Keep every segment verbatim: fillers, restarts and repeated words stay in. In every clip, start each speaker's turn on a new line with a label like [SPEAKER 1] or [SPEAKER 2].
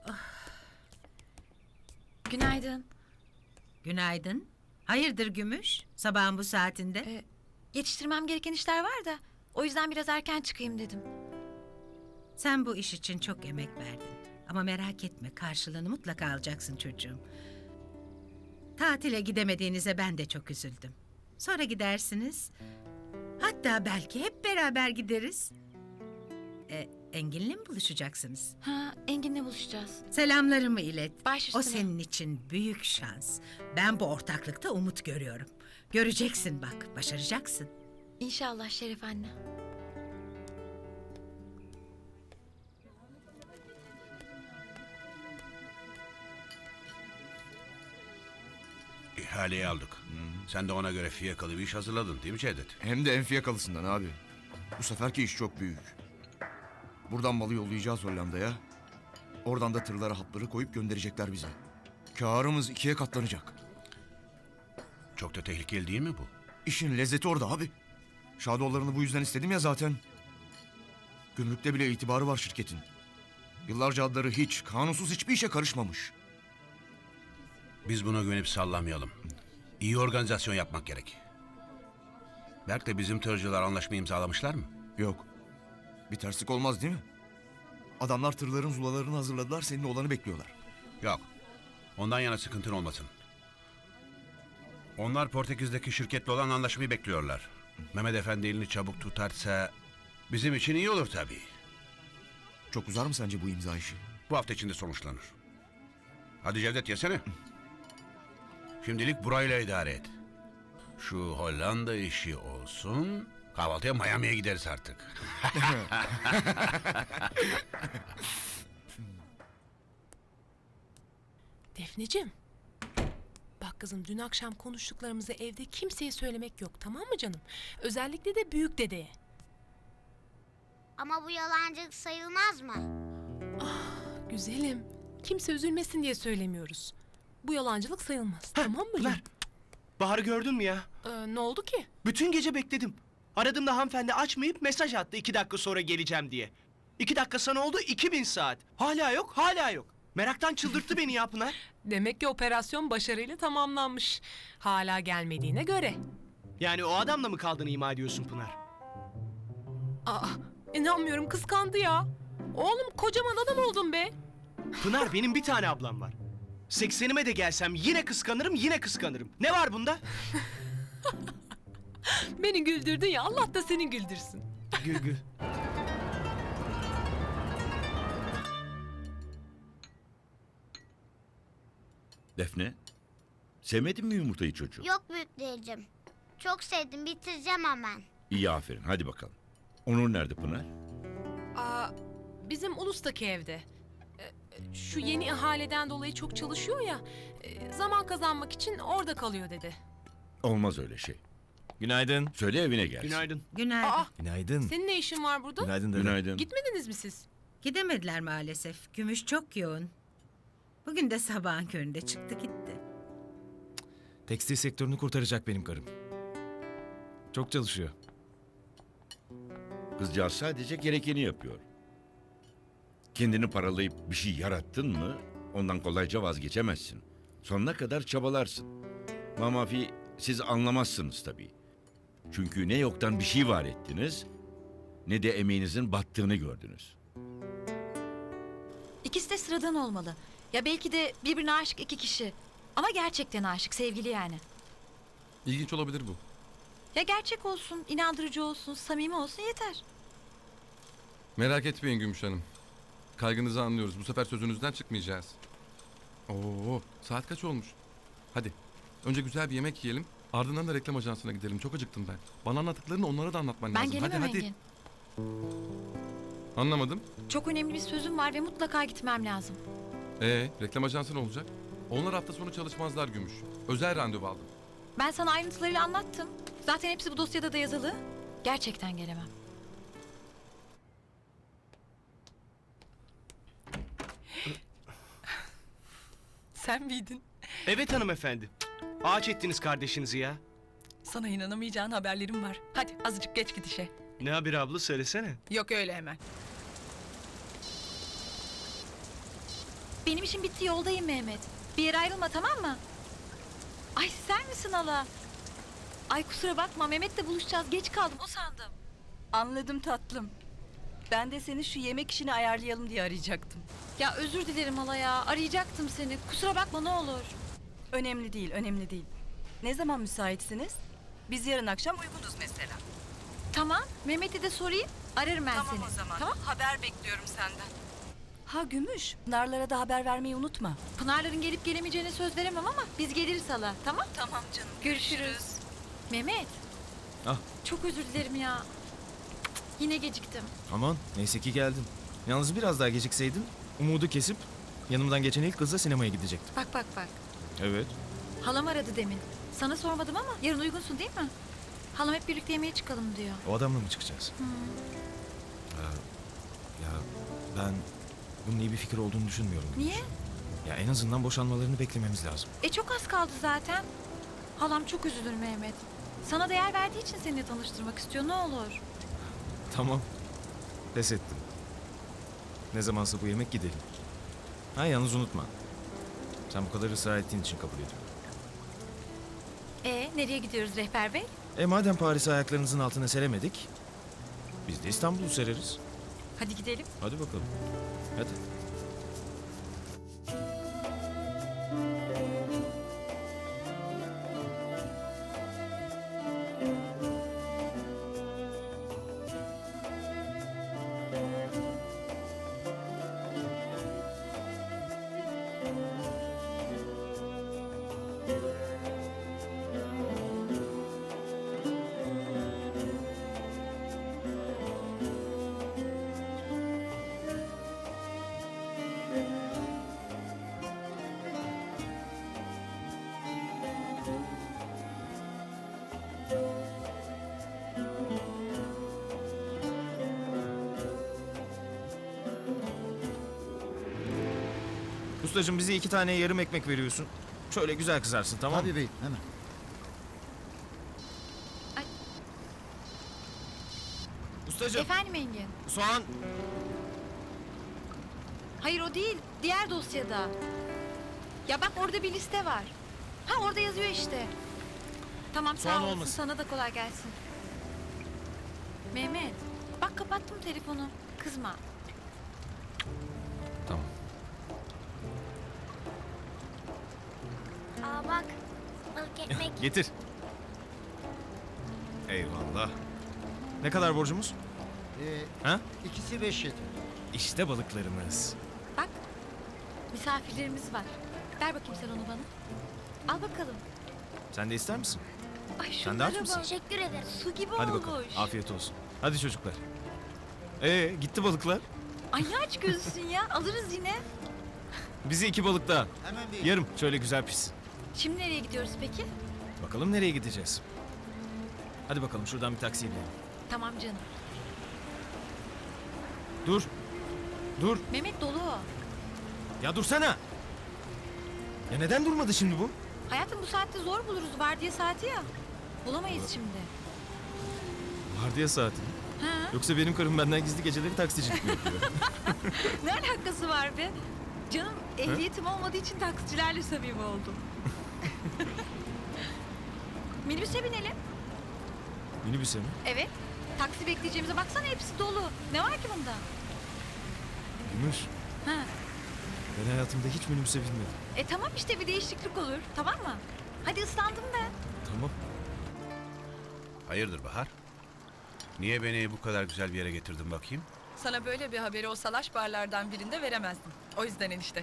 [SPEAKER 1] Günaydın.
[SPEAKER 2] Günaydın. Hayırdır Gümüş? Sabahın bu saatinde?
[SPEAKER 1] Ee, yetiştirmem gereken işler var da o yüzden biraz erken çıkayım dedim.
[SPEAKER 2] Sen bu iş için çok emek verdin. Ama merak etme, karşılığını mutlaka alacaksın çocuğum. Tatile gidemediğinize ben de çok üzüldüm. Sonra gidersiniz. Hatta belki hep beraber gideriz. E, Engin'le mi buluşacaksınız?
[SPEAKER 1] Ha, Engin'le buluşacağız.
[SPEAKER 2] Selamlarımı ilet.
[SPEAKER 1] Baş
[SPEAKER 2] O
[SPEAKER 1] üstüne.
[SPEAKER 2] senin için büyük şans. Ben bu ortaklıkta umut görüyorum. Göreceksin bak, başaracaksın.
[SPEAKER 1] İnşallah Şeref anne.
[SPEAKER 3] İhaleyi aldık. Sen de ona göre fiyakalı bir iş hazırladın değil mi Cevdet?
[SPEAKER 4] Hem de en fiyakalısından abi. Bu seferki iş çok büyük. Buradan malı yollayacağız Hollanda'ya. Oradan da tırlara hapları koyup gönderecekler bize. Kârımız ikiye katlanacak.
[SPEAKER 3] Çok da tehlikeli değil mi bu?
[SPEAKER 4] İşin lezzeti orada abi. Şadolarını bu yüzden istedim ya zaten. Gümrükte bile itibarı var şirketin. Yıllarca adları hiç, kanunsuz hiçbir işe karışmamış.
[SPEAKER 3] Biz buna güvenip sallamayalım. İyi organizasyon yapmak gerek. Berk de bizim tırcılar anlaşma imzalamışlar mı?
[SPEAKER 4] Yok. Bir terslik olmaz değil mi? Adamlar tırların zulalarını hazırladılar, senin olanı bekliyorlar.
[SPEAKER 3] Yok. Ondan yana sıkıntın olmasın. Onlar Portekiz'deki şirketle olan anlaşmayı bekliyorlar. Mehmet Efendi elini çabuk tutarsa bizim için iyi olur tabii.
[SPEAKER 4] Çok uzar mı sence bu imza işi?
[SPEAKER 3] Bu hafta içinde sonuçlanır. Hadi Cevdet yesene. Şimdilik burayla idare et. Şu Hollanda işi olsun. Kahvaltıya Miami'ye gideriz artık.
[SPEAKER 5] Defneciğim. Bak kızım, dün akşam konuştuklarımızı evde kimseye söylemek yok, tamam mı canım? Özellikle de büyük dedeye.
[SPEAKER 6] Ama bu yalancılık sayılmaz mı?
[SPEAKER 5] Güzelim. Kimse üzülmesin diye söylemiyoruz. Bu yalancılık sayılmaz. Tamam mı
[SPEAKER 7] Pınar,
[SPEAKER 5] canım?
[SPEAKER 7] Bahar'ı gördün mü ya?
[SPEAKER 5] Ee, ne oldu ki?
[SPEAKER 7] Bütün gece bekledim. Aradığımda hanımefendi açmayıp mesaj attı iki dakika sonra geleceğim diye. İki dakika sana oldu iki bin saat. Hala yok, hala yok. Meraktan çıldırttı beni ya Pınar.
[SPEAKER 5] Demek ki operasyon başarıyla tamamlanmış. Hala gelmediğine göre.
[SPEAKER 7] Yani o adamla mı kaldığını ima ediyorsun Pınar?
[SPEAKER 5] Aa, inanmıyorum, kıskandı ya. Oğlum, kocaman adam oldun be.
[SPEAKER 7] Pınar, benim bir tane ablam var. Seksenime de gelsem yine kıskanırım, yine kıskanırım. Ne var bunda?
[SPEAKER 5] Beni güldürdün ya, Allah da seni güldürsün.
[SPEAKER 7] Gül gül.
[SPEAKER 8] Defne, sevmedin mi yumurtayı çocuğum?
[SPEAKER 6] Yok büyük dayıcım. Çok sevdim, bitireceğim hemen.
[SPEAKER 8] İyi, aferin, hadi bakalım. Onur nerede Pınar?
[SPEAKER 5] Aa, bizim Ulus'taki evde. Ee, Şu yeni ihaleden dolayı çok çalışıyor ya. e, Zaman kazanmak için orada kalıyor dedi.
[SPEAKER 8] Olmaz öyle şey.
[SPEAKER 9] Günaydın.
[SPEAKER 8] Söyle evine gelsin.
[SPEAKER 7] Günaydın.
[SPEAKER 2] Günaydın.
[SPEAKER 5] Aa,
[SPEAKER 9] Günaydın.
[SPEAKER 5] senin ne işin var burada?
[SPEAKER 9] Günaydın dede.
[SPEAKER 8] Günaydın.
[SPEAKER 5] Gitmediniz mi siz?
[SPEAKER 2] Gidemediler maalesef. Gümüş çok yoğun. Bugün de sabahın köründe çıktı gitti.
[SPEAKER 9] Tekstil sektörünü kurtaracak benim karım. Çok çalışıyor.
[SPEAKER 8] Kızcağız sadece gerekeni yapıyor. Kendini paralayıp bir şey yarattın mı ondan kolayca vazgeçemezsin. Sonuna kadar çabalarsın. Mamafi, siz anlamazsınız tabii. Çünkü ne yoktan bir şey var ettiniz ne de emeğinizin battığını gördünüz.
[SPEAKER 1] İkisi de sıradan olmalı. Ya belki de birbirine aşık iki kişi. Ama gerçekten aşık, sevgili yani.
[SPEAKER 10] İlginç olabilir bu.
[SPEAKER 1] Ya gerçek olsun, inandırıcı olsun, samimi olsun yeter.
[SPEAKER 10] Merak etmeyin Gümüş Hanım. Kaygınızı anlıyoruz. Bu sefer sözünüzden çıkmayacağız. Oo, saat kaç olmuş? Hadi. Önce güzel bir yemek yiyelim. Ardından da reklam ajansına gidelim. Çok acıktım ben. Bana anlattıklarını onlara da anlatman
[SPEAKER 1] Ben
[SPEAKER 10] lazım.
[SPEAKER 1] gelemem
[SPEAKER 10] hadi hadi.
[SPEAKER 1] Engin.
[SPEAKER 10] Anlamadım.
[SPEAKER 1] Çok önemli bir sözüm var ve mutlaka gitmem lazım.
[SPEAKER 10] Ee, reklam ajansı ne olacak? Onlar hafta sonu çalışmazlar Gümüş. Özel randevu aldım.
[SPEAKER 1] Ben sana ayrıntılarıyla anlattım. Zaten hepsi bu dosyada da yazılı. Gerçekten gelemem.
[SPEAKER 5] Sen miydin?
[SPEAKER 7] Evet hanımefendi. Ağaç ettiniz kardeşinizi ya.
[SPEAKER 5] Sana inanamayacağın haberlerim var. Hadi azıcık geç git işe.
[SPEAKER 7] Ne haber abla, söylesene.
[SPEAKER 5] Yok öyle hemen.
[SPEAKER 1] benim işim bitti, yoldayım Mehmet. Bir yere ayrılma, tamam mı? Ay sen misin hala? Ay kusura bakma, Mehmet'le buluşacağız. Geç kaldım, o sandım.
[SPEAKER 11] Anladım tatlım. Ben de seni şu yemek işini ayarlayalım diye arayacaktım.
[SPEAKER 1] Ya özür dilerim hala ya. Arayacaktım seni. Kusura bakma ne olur.
[SPEAKER 11] Önemli değil, önemli değil. Ne zaman müsaitsiniz? Biz yarın akşam uygunuz mesela.
[SPEAKER 1] Tamam, Mehmet'e de sorayım. Ararım ben seni. Tamam.
[SPEAKER 11] Haber bekliyorum senden. Ha Gümüş, Narlara da haber vermeyi unutma.
[SPEAKER 1] Pınar'ların gelip gelemeyeceğine söz veremem ama biz geliriz hala. Tamam.
[SPEAKER 11] Tamam canım.
[SPEAKER 1] Görüşürüz. Mehmet.
[SPEAKER 9] Ah.
[SPEAKER 1] Çok özür dilerim ya. Yine geciktim.
[SPEAKER 9] Aman neyse ki geldin. Yalnız biraz daha gecikseydin umudu kesip yanımdan geçen ilk kızla sinemaya gidecektim.
[SPEAKER 1] Bak bak bak.
[SPEAKER 9] Evet.
[SPEAKER 1] Halam aradı demin. Sana sormadım ama yarın uygunsun değil mi? Halam hep birlikte yemeğe çıkalım diyor.
[SPEAKER 9] O adamla mı çıkacağız? Ee, ya ben bunun iyi bir fikir olduğunu düşünmüyorum.
[SPEAKER 1] Niye?
[SPEAKER 9] Ya en azından boşanmalarını beklememiz lazım.
[SPEAKER 1] E çok az kaldı zaten. Halam çok üzülür Mehmet. Sana değer verdiği için seninle tanıştırmak istiyor, ne olur.
[SPEAKER 9] Tamam. Pes ettim. Ne zamansa bu yemek gidelim. Ha yalnız unutma. Sen bu kadar ısrar ettiğin için kabul ediyorum.
[SPEAKER 1] E nereye gidiyoruz rehber bey?
[SPEAKER 9] E madem Paris'i ayaklarınızın altına seremedik, biz de İstanbul'u sereriz.
[SPEAKER 1] Hadi gidelim.
[SPEAKER 9] Hadi bakalım. Hadi. Ustacığım bize iki tane yarım ekmek veriyorsun. Şöyle güzel kızarsın tamam mı?
[SPEAKER 4] Tabii beyim hemen.
[SPEAKER 9] Ustacığım
[SPEAKER 1] Efendim Engin?
[SPEAKER 9] soğan.
[SPEAKER 1] Hayır o değil. Diğer dosyada. Ya bak orada bir liste var. Ha orada yazıyor işte. Tamam sağ
[SPEAKER 9] Soğan
[SPEAKER 1] olasın.
[SPEAKER 9] olmasın.
[SPEAKER 1] Sana da kolay gelsin. Mehmet. Bak kapattım telefonu. Kızma.
[SPEAKER 9] Tamam.
[SPEAKER 6] Aa bak, balık ekmek.
[SPEAKER 9] Getir. Eyvallah. Ne kadar borcumuz?
[SPEAKER 12] Ee,
[SPEAKER 9] Ha?
[SPEAKER 12] ikisi beş yedi.
[SPEAKER 9] İşte balıklarımız.
[SPEAKER 1] Bak. Misafirlerimiz var. Ver bakayım sen onu bana. Al bakalım.
[SPEAKER 9] Sen de ister misin?
[SPEAKER 1] Ay
[SPEAKER 9] Sen de aç
[SPEAKER 1] şunlara
[SPEAKER 9] mısın?
[SPEAKER 1] bak.
[SPEAKER 6] Teşekkür ederim.
[SPEAKER 1] Su gibi
[SPEAKER 9] Hadi
[SPEAKER 1] olmuş.
[SPEAKER 9] bakalım. Afiyet olsun. Hadi çocuklar. Ee gitti balıklar.
[SPEAKER 1] Ay ne aç gözlüsün ya. Alırız yine.
[SPEAKER 9] Bize iki balık daha.
[SPEAKER 12] Hemen bir.
[SPEAKER 9] Yarım şöyle güzel pis.
[SPEAKER 1] Şimdi nereye gidiyoruz peki?
[SPEAKER 9] Bakalım nereye gideceğiz? Hadi bakalım şuradan bir taksiye binelim.
[SPEAKER 1] Tamam canım.
[SPEAKER 9] Dur. Dur.
[SPEAKER 1] Mehmet dolu o.
[SPEAKER 9] Ya dursana. Ya neden durmadı şimdi bu?
[SPEAKER 1] Hayatım bu saatte zor buluruz. Vardiya saati ya. Bulamayız şimdi.
[SPEAKER 9] Vardiya saati.
[SPEAKER 1] Ha?
[SPEAKER 9] Yoksa benim karım benden gizli geceleri taksicilik mi yapıyor?
[SPEAKER 1] Ne alakası var be? Canım ehliyetim olmadığı için taksicilerle samimi oldum. Minibüse binelim.
[SPEAKER 9] Minibüse mi?
[SPEAKER 1] Evet. Taksi bekleyeceğimize baksana hepsi dolu. Ne var ki bunda?
[SPEAKER 9] Gümüş.
[SPEAKER 1] Ha.
[SPEAKER 9] Ben hayatımda hiç minibüse binmedim.
[SPEAKER 1] E tamam işte bir değişiklik olur. Tamam mı? Hadi ıslandım ben.
[SPEAKER 9] Tamam.
[SPEAKER 3] Hayırdır Bahar? Niye beni bu kadar güzel bir yere getirdin bakayım?
[SPEAKER 11] Sana böyle bir haberi o salaş barlardan birinde veremezdim. O yüzden enişte.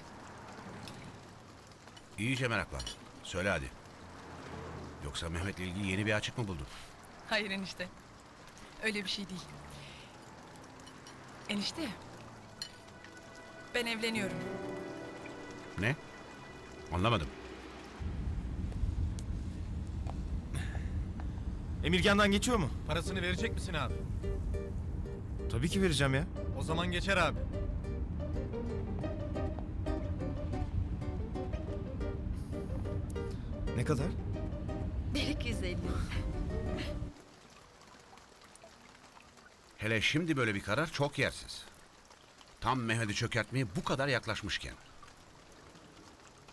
[SPEAKER 3] İyice meraklandım. Söyle hadi. Yoksa Mehmet'le ilgili yeni bir açık mı buldun?
[SPEAKER 11] Hayır enişte. Öyle bir şey değil. Enişte. Ben evleniyorum.
[SPEAKER 3] Ne? Anlamadım.
[SPEAKER 9] Emirgan'dan geçiyor mu?
[SPEAKER 12] Parasını verecek misin abi?
[SPEAKER 9] Tabii ki vereceğim ya.
[SPEAKER 12] O zaman geçer abi.
[SPEAKER 9] Ne kadar?
[SPEAKER 1] Delik yüz elli.
[SPEAKER 3] Hele şimdi böyle bir karar çok yersiz. Tam Mehmet'i çökertmeye bu kadar yaklaşmışken.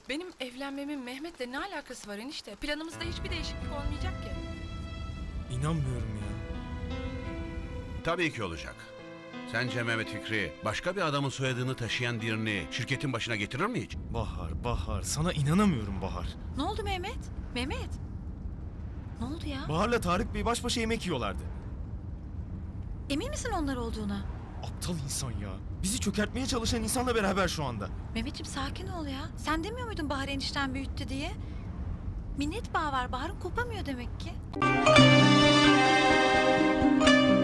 [SPEAKER 11] Benim evlenmemin Mehmet'le ne alakası var enişte? Planımızda hiçbir değişiklik olmayacak ki.
[SPEAKER 9] İnanmıyorum ya.
[SPEAKER 3] Tabii ki olacak. Sence Mehmet Fikri başka bir adamın soyadını taşıyan birini şirketin başına getirir mi hiç?
[SPEAKER 9] Bahar, Bahar. Sana inanamıyorum Bahar.
[SPEAKER 1] Ne oldu Mehmet? Mehmet. Ne oldu ya?
[SPEAKER 9] Bahar'la Tarık Bey baş başa yemek yiyorlardı.
[SPEAKER 1] Emin misin onlar olduğuna?
[SPEAKER 9] Aptal insan ya. Bizi çökertmeye çalışan insanla beraber şu anda.
[SPEAKER 1] Mehmetciğim sakin ol ya. Sen demiyor muydun Bahar enişten büyüttü diye? Minnet bağı var. Bahar'ın kopamıyor demek ki.